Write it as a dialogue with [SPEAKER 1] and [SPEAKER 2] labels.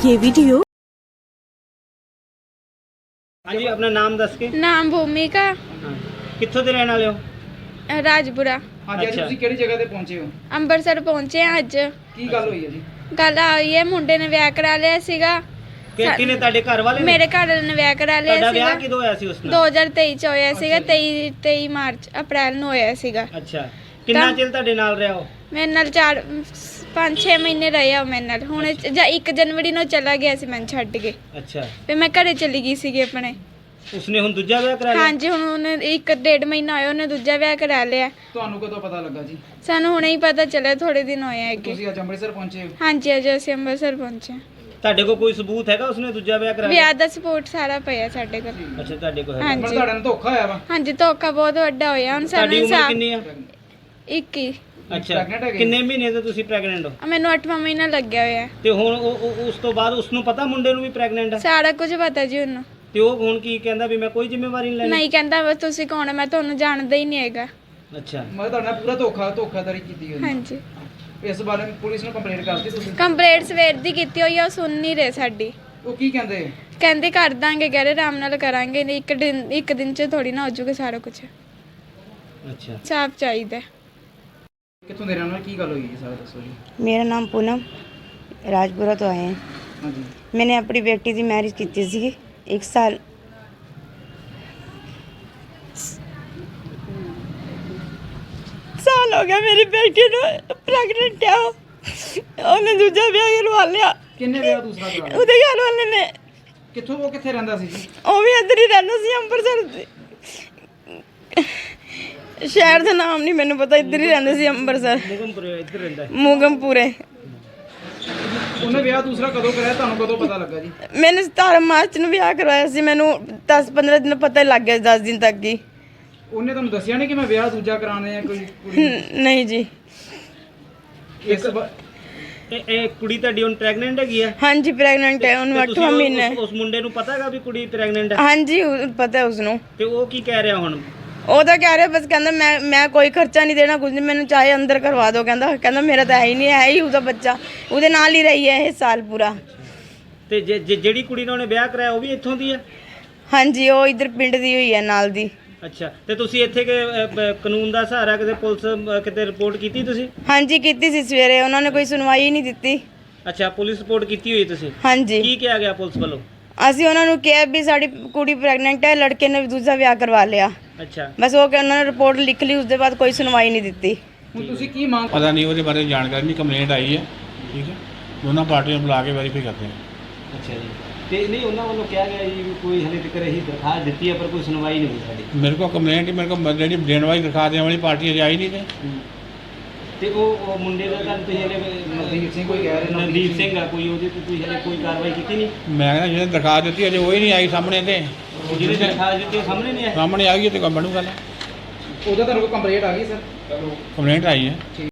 [SPEAKER 1] ये वीडियो।
[SPEAKER 2] हाँ जी, अपना नाम दस के।
[SPEAKER 3] नाम भूमिका
[SPEAKER 2] कित्थों ਦੇ ਰਹਿਣ ਵਾਲੇ ਹੋ?
[SPEAKER 3] राजपुरा।
[SPEAKER 4] हाँ जी, ਤੁਸੀਂ ਕਿਹੜੀ ਜਗ੍ਹਾ ਤੇ ਪਹੁੰਚੇ ਹੋ?
[SPEAKER 3] ਅੰਮ੍ਰਿਤਸਰ ਪਹੁੰਚੇ ਹਾਂ ਅੱਜ।
[SPEAKER 4] ਕੀ ਗੱਲ ਹੋਈ ਹੈ ਜੀ?
[SPEAKER 3] ਗੱਲ ਆਈ ਹੈ, ਮੁੰਡੇ ਨੇ ਵਿਆਹ ਕਰਾ ਲਿਆ ਸੀਗਾ।
[SPEAKER 2] ਕਿਹਨੇ ਤੁਹਾਡੇ ਘਰ ਵਾਲੇ ਨੇ?
[SPEAKER 3] ਮੇਰੇ ਘਰ ਵਾਲੇ ਨੇ ਵਿਆਹ ਕਰਾ ਲਿਆ
[SPEAKER 2] ਤੁਹਾਡਾ
[SPEAKER 3] ਸੀਗਾ।
[SPEAKER 2] ਵਿਆਹ ਕਿਦੋਂ ਹੋਇਆ ਸੀ ਉਸ ਨਾਲ?
[SPEAKER 3] 2023 ਚ ਹੋਇਆ ਸੀਗਾ। 23 ਮਾਰਚ ਅਪ੍ਰੈਲ ਨੂੰ ਹੋਇਆ ਸੀਗਾ।
[SPEAKER 2] ਅੱਛਾ, ਕਿੰਨਾ ਚਿਰ ਤੁਹਾਡੇ ਨਾਲ ਰਿਹਾ ਉਹ?
[SPEAKER 3] ਮੇਰੇ ਨਾਲ 5-6 ਮਹੀਨੇ ਰਿਹਾ ਉਹ ਮੇਰੇ ਨਾਲ। ਹੁਣ 1 ਜਨਵਰੀ ਨੂੰ ਚਲਾ ਗਿਆ ਸੀ ਮੈਨੂੰ ਛੱਡ ਕੇ।
[SPEAKER 2] ਅੱਛਾ,
[SPEAKER 3] ਫਿਰ ਮੈਂ ਘਰੇ ਚਲੀ ਗਈ ਸੀਗੀ ਆਪਣੇ।
[SPEAKER 2] ਉਸਨੇ ਹੁਣ ਦੂਜਾ ਵਿਆਹ ਕਰਾ ਲਿਆ?
[SPEAKER 3] ਹਾਂਜੀ, ਹੁਣ ਉਹਨੇ 1-1.5 ਮਹੀਨਾ ਹੋਇਆ ਉਹਨੇ ਦੂਜਾ ਵਿਆਹ ਕਰਾ ਲਿਆ।
[SPEAKER 4] ਤੁਹਾਨੂੰ ਕਦੋਂ ਪਤਾ ਲੱਗਾ ਜੀ?
[SPEAKER 3] ਸਾਨੂੰ ਹੁਣੇ ਹੀ ਪਤਾ ਚੱਲਿਆ, ਥੋੜੇ ਦਿਨ ਹੋਏ ਹੈਗੇ।
[SPEAKER 4] ਤੁਸੀਂ ਅੱਜ ਅੰਮ੍ਰਿਤਸਰ ਪਹੁੰਚੇ ਹੋ?
[SPEAKER 3] ਹਾਂਜੀ, ਅੱਜ ਅਸੀਂ ਅੰਮ੍ਰਿਤਸਰ ਪਹੁੰਚੇ।
[SPEAKER 2] ਤੁਹਾਡੇ ਕੋਲ ਕੋਈ ਸਬੂਤ ਹੈਗਾ ਉਸਨੇ ਦੂਜਾ ਵਿਆਹ ਕਰਾ ਲਿਆ?
[SPEAKER 3] ਵਿਆਹ ਦਾ ਸਪੋਰਟ ਸਾਰਾ ਪਿਆ ਸਾਡੇ ਕੋਲ।
[SPEAKER 2] ਅੱਛਾ, ਤੁਹਾਡੇ ਕੋਲ ਹੈਗਾ।
[SPEAKER 3] ਹਾਂਜੀ।
[SPEAKER 4] ਪਰ ਤੁਹਾਡੇ ਨਾਲ ਧੋਖਾ ਹੋਇਆ ਵਾ?
[SPEAKER 3] ਹਾਂਜੀ, ਧੋਖਾ ਬਹੁਤ ਵੱਡਾ ਹੋਇਆ। ਹੁਣ
[SPEAKER 2] ਤੁਹਾਡੀ
[SPEAKER 3] ਸਾਨੂੰ
[SPEAKER 2] ਉਮਰ ਕਿੰਨੀ ਆ?
[SPEAKER 3] 21।
[SPEAKER 2] ਅੱਛਾ,
[SPEAKER 4] Pregnant ਹੈਗੇ?
[SPEAKER 2] ਕਿੰਨੇ ਮਹੀਨੇ ਤੋਂ ਤੁਸੀਂ ਪ੍ਰੈਗਨੈਂਟ ਹੋ?
[SPEAKER 3] ਮੈਨੂੰ 8ਵਾਂ ਮਹੀਨਾ ਲੱਗਿਆ ਹੋਇਆ।
[SPEAKER 2] ਤੇ ਹੁਣ ਉਸ ਤੋਂ ਬਾਅਦ ਉਸਨੂੰ ਪਤਾ ਮੁੰਡੇ ਨੂੰ ਵੀ ਪ੍ਰੈਗਨੈਂਟ ਆ?
[SPEAKER 3] ਸਾਰਾ ਕੁਝ ਪਤਾ ਜੀ ਉਹਨੂੰ।
[SPEAKER 2] ਤੇ ਉਹ ਹੁਣ ਕੀ ਕਹਿੰਦਾ ਵੀ ਮੈਂ ਕੋਈ ਜ਼ਿੰਮੇਵਾਰੀ ਨਹੀਂ ਲੈਣੀ?
[SPEAKER 3] ਨਹੀਂ ਕਹਿੰਦਾ ਬਸ ਤੁਸੀਂ ਕੌਣ ਹੈ, ਮੈਂ ਤੁਹਾਨੂੰ ਜਾਣਦਾ ਹੀ ਨਹੀਂ ਹੈਗਾ।
[SPEAKER 2] ਅੱਛਾ,
[SPEAKER 4] ਮੈਂ ਤੁਹਾਡੇ ਨਾਲ ਪੂਰਾ ਧੋਖਾਧੜੀ ਕੀਤੀ ਹੋਈ।
[SPEAKER 3] ਹਾਂਜੀ,
[SPEAKER 4] ਇਸ ਬਾਰੇ ਪੁਲਿਸ ਨੂੰ ਕੰਪਲੇਂਟ ਕਰਤੀ ਤੁਸੀਂ?
[SPEAKER 3] ਕੰਪਲੇਂਟ ਸਵੇਰ ਦੀ ਕੀਤੀ ਹੋਈ ਆ, ਉਹ ਸੁਣ ਨਹੀਂ ਰਹੇ ਸਾਡੀ।
[SPEAKER 4] ਉਹ ਕੀ ਕਹਿੰਦੇ?
[SPEAKER 3] ਕਹਿੰਦੇ ਕਰ ਦਾਂਗੇ, ਕਹਿ ਰਹੇ ਆਰਾਮ ਨਾਲ ਕਰਾਂਗੇ। ਨਹੀਂ ਇੱਕ ਦਿਨ ਚ ਥੋੜੀ ਨਾ ਹੋ ਜਾਊਗਾ ਸਾਰਾ ਕੁਝ।
[SPEAKER 2] ਅੱਛਾ।
[SPEAKER 3] ਸਾਫ਼ ਚਾਹੀਦਾ।
[SPEAKER 4] ਕਿੱਥੋਂ ਦੇ ਰਹਿਣ ਵਾਲੇ, ਕੀ ਗੱਲ ਹੋਈ ਹੈ ਸਾਰਾ ਦੱਸੋ ਜੀ।
[SPEAKER 5] मेरा नाम पूनम, राजपुरा तो आए हैं।
[SPEAKER 4] ਹਾਂਜੀ।
[SPEAKER 5] मैंने अपनी बेटी की मैरिज की थी 1 साल। साल हो गया मेरी बेटी ਨੂੰ ਪ੍ਰੈਗਨੈਂਟ ਆ। ਉਹਨੇ ਦੂਜਾ ਵਿਆਹ ਕਰਵਾ ਲਿਆ
[SPEAKER 4] ਕਿੰਨੇ ਵਿਆਹ ਦੂਸਰਾ ਕਰਾ ਲਿਆ?
[SPEAKER 5] ਉਹਦੇ ਘਰ ਵਾਲੇ ਨੇ।
[SPEAKER 4] ਕਿੱਥੋਂ, ਉਹ ਕਿੱਥੇ ਰਹਿੰਦਾ ਸੀ ਜੀ?
[SPEAKER 5] ਉਹ ਵੀ ਇੱਧਰ ਹੀ ਰਹਿੰਦਾ ਸੀ, ਅੰਮ੍ਰਿਤਸਰ ਦੇ। ਸ਼ਹਿਰ ਦਾ ਨਾਮ ਨਹੀਂ ਮੈਨੂੰ ਪਤਾ, ਇੱਧਰ ਹੀ ਰਹਿੰਦਾ ਸੀ ਅੰਮ੍ਰਿਤਸਰ,
[SPEAKER 2] ਮੁਗਮਪੁਰੇ ਇੱਧਰ ਰਹਿੰਦਾ ਹੈ।
[SPEAKER 5] ਮੂਗਮਪੁਰੇ।
[SPEAKER 4] ਉਹਨੇ ਵਿਆਹ ਦੂਸਰਾ ਕਦੋਂ ਕਰਾਇਆ, ਤੁਹਾਨੂੰ ਕਦੋਂ ਪਤਾ ਲੱਗਾ ਜੀ?
[SPEAKER 5] मैंने 17 ਮਾਰਚ ਨੂੰ ਵਿਆਹ ਕਰਵਾਇਆ ਸੀ। ਮੈਨੂੰ 10-15 ਦਿਨ ਪਤਾ ਹੀ ਲੱਗ ਗਿਆ, 10 ਦਿਨ ਤੱਕ ਹੀ।
[SPEAKER 4] ਉਹਨੇ ਤੁਹਾਨੂੰ ਦੱਸਿਆ ਨਹੀਂ ਕਿ ਮੈਂ ਵਿਆਹ ਦੂਜਾ ਕਰਾਉਣਾ ਹੈ ਕੋਈ ਕੁੜੀ?
[SPEAKER 5] ਨਹੀਂ ਜੀ।
[SPEAKER 2] ਇਹ ਕੁੜੀ ਤੁਹਾਡੀ ਹੁਣ ਪ੍ਰੈਗਨੈਂਟ ਹੈਗੀ ਆ?
[SPEAKER 5] ਹਾਂਜੀ, ਪ੍ਰੈਗਨੈਂਟ ਹੈ। ਉਹਨੂੰ
[SPEAKER 2] ਤੇ ਤੁਸੀਂ
[SPEAKER 5] 8ਵਾਂ ਮਹੀਨਾ ਹੈ।
[SPEAKER 2] ਉਸ ਮੁੰਡੇ ਨੂੰ ਪਤਾ ਹੈਗਾ ਵੀ ਕੁੜੀ ਪ੍ਰੈਗਨੈਂਟ ਹੈ?
[SPEAKER 5] ਹਾਂਜੀ, ਪਤਾ ਹੈ ਉਸਨੂੰ।
[SPEAKER 2] ਤੇ ਉਹ ਕੀ ਕਹਿ ਰਿਹਾ ਹੁਣ?
[SPEAKER 5] ਉਹ ਤਾਂ ਕਹਿ ਰਿਹਾ, ਬਸ ਕਹਿੰਦਾ ਮੈਂ ਕੋਈ ਖਰਚਾ ਨਹੀਂ ਦੇਣਾ, ਕੁਝ ਨਹੀਂ, ਮੈਨੂੰ ਚਾਹੇ ਅੰਦਰ ਕਰਵਾ ਦਿਓ। ਕਹਿੰਦਾ ਮੇਰਾ ਤਾਂ ਹੈ ਹੀ ਨਹੀਂ, ਹੈ ਹੀ ਉਹਦਾ ਬੱਚਾ। ਉਹਦੇ ਨਾਲ ਹੀ ਰਹੀ ਹੈ ਇਹ ਸਾਲ ਪੂਰਾ।
[SPEAKER 2] ਤੇ ਜਿਹੜੀ ਕੁੜੀ ਨਾਲ ਉਹਨੇ ਵਿਆਹ ਕਰਾਇਆ ਉਹ ਵੀ ਇੱਥੋਂ ਦੀ ਆ?
[SPEAKER 5] ਹਾਂਜੀ, ਉਹ ਇੱਧਰ ਪਿੰਡ ਦੀ ਹੋਈ ਹੈ, ਨਾਲ ਦੀ।
[SPEAKER 2] ਅੱਛਾ, ਤੇ ਤੁਸੀਂ ਇੱਥੇ ਕਾਨੂੰਨ ਦਾ ਸਹਾਰਾ ਕਿਤੇ ਪੁਲਿਸ ਕਿਤੇ ਰਿਪੋਰਟ ਕੀਤੀ ਤੁਸੀਂ?
[SPEAKER 5] ਹਾਂਜੀ, ਕੀਤੀ ਸੀ ਸਵੇਰੇ। ਉਹਨਾਂ ਨੇ ਕੋਈ ਸੁਣਵਾਈ ਹੀ ਨਹੀਂ ਦਿੱਤੀ।
[SPEAKER 2] ਅੱਛਾ, ਪੁਲਿਸ ਰਿਪੋਰਟ ਕੀਤੀ ਹੋਈ ਤੁਸੀਂ?
[SPEAKER 5] ਹਾਂਜੀ,
[SPEAKER 2] ਕੀ ਕਿਹਾ ਗਿਆ ਪੁਲਿਸ ਵੱਲੋਂ?
[SPEAKER 5] ਅਸੀਂ ਉਹਨਾਂ ਨੂੰ ਕਿਹਾ ਵੀ ਸਾਡੀ ਕੁੜੀ ਪ੍ਰੈਗਨੈਂਟ ਹੈ, ਲੜਕੇ ਨੇ ਦੂਜਾ ਵਿਆਹ ਕਰਵਾ ਲਿਆ।
[SPEAKER 2] ਅੱਛਾ,
[SPEAKER 5] ਬਸ ਉਹ ਕਿ ਉਹਨਾਂ ਨੇ ਰਿਪੋਰਟ ਲਿਖ ਲਈ, ਉਸ ਦੇ ਬਾਅਦ ਕੋਈ ਸੁਣਵਾਈ ਨਹੀਂ ਦਿੱਤੀ।
[SPEAKER 4] ਹੁਣ ਤੁਸੀਂ ਕੀ ਮੰਗ?
[SPEAKER 6] ਪਤਾ ਨਹੀਂ ਉਹਦੇ ਬਾਰੇ ਜਾਣਕਾਰੀ ਨਹੀਂ। ਕੰਪਲੇਂਟ ਆਈ ਹੈ, ਠੀਕ ਹੈ, ਦੋਨਾਂ ਪਾਰਟੀਆਂ ਨੂੰ ਬੁਲਾ ਕੇ ਵੈਰੀਫਾਈ ਕਰਦੇ ਹਾਂ।
[SPEAKER 2] ਅੱਛਾ ਜੀ। ਤੇ ਨਹੀਂ, ਉਹਨਾਂ ਵੱਲੋਂ ਕਿਹਾ ਗਿਆ ਜੀ ਵੀ ਕੋਈ ਹਲੇ ਤੱਕ ਇਹੀ ਦਰਖਾਸਤ ਦਿੱਤੀ ਹੈ ਪਰ ਕੋਈ ਸੁਣਵਾਈ ਨਹੀਂ ਹੋਈ ਸਾਡੀ।
[SPEAKER 6] ਮੇਰੇ ਕੋਲ ਕੰਪਲੇਂਟ ਹੀ, ਮੇਰੇ ਕੋਲ ਜਿਹੜੀ ਦੇਣ ਵਾਲੀ ਦਿਖਾ ਦੇਣ ਵਾਲੀ ਪਾਰਟੀ ਅਜੇ ਆਈ ਨਹੀਂ ਤੇ।
[SPEAKER 2] ਤੇ ਉਹ ਮੁੰਡੇ ਦਾ ਤਾਂ ਤੁਸੀਂ ਹਲੇ
[SPEAKER 4] ਨਵਦੀਪ ਸਿੰਘ ਕੋਈ ਕਹਿ ਰਹੇ?
[SPEAKER 2] ਨਵਦੀਪ ਸਿੰਘ ਆ ਕੋਈ, ਉਹਦੇ ਤੇ ਤੁਸੀਂ ਹਲੇ ਕੋਈ ਕਾਰਵਾਈ ਕੀਤੀ ਨਹੀਂ?
[SPEAKER 6] ਮੈਂ ਕਹਿੰਦਾ ਜਿਹਨੇ ਦਿਖਾ ਦਿੱਤੀ ਅਜੇ ਉਹ ਹੀ ਨਹੀਂ ਆਈ ਸਾਹਮਣੇ ਤੇ।
[SPEAKER 2] ਜਿਹਨੇ ਦਰਖਾਸਤ ਦਿੱਤੀ ਉਹ ਸਾਹਮਣੇ ਨਹੀਂ ਆਇਆ?
[SPEAKER 6] ਸਾਹਮਣੇ ਆ ਗਈ ਤੇ ਕੰਮ ਬਣੂ ਗੱਲ।
[SPEAKER 4] ਉਹਦਾ ਤੁਹਾਨੂੰ ਕੋਈ ਕੰਪਲੇਂਟ ਆ ਗਈ ਸਰ?
[SPEAKER 6] ਕੰਪਲੇਂਟ ਆਈ ਹੈ।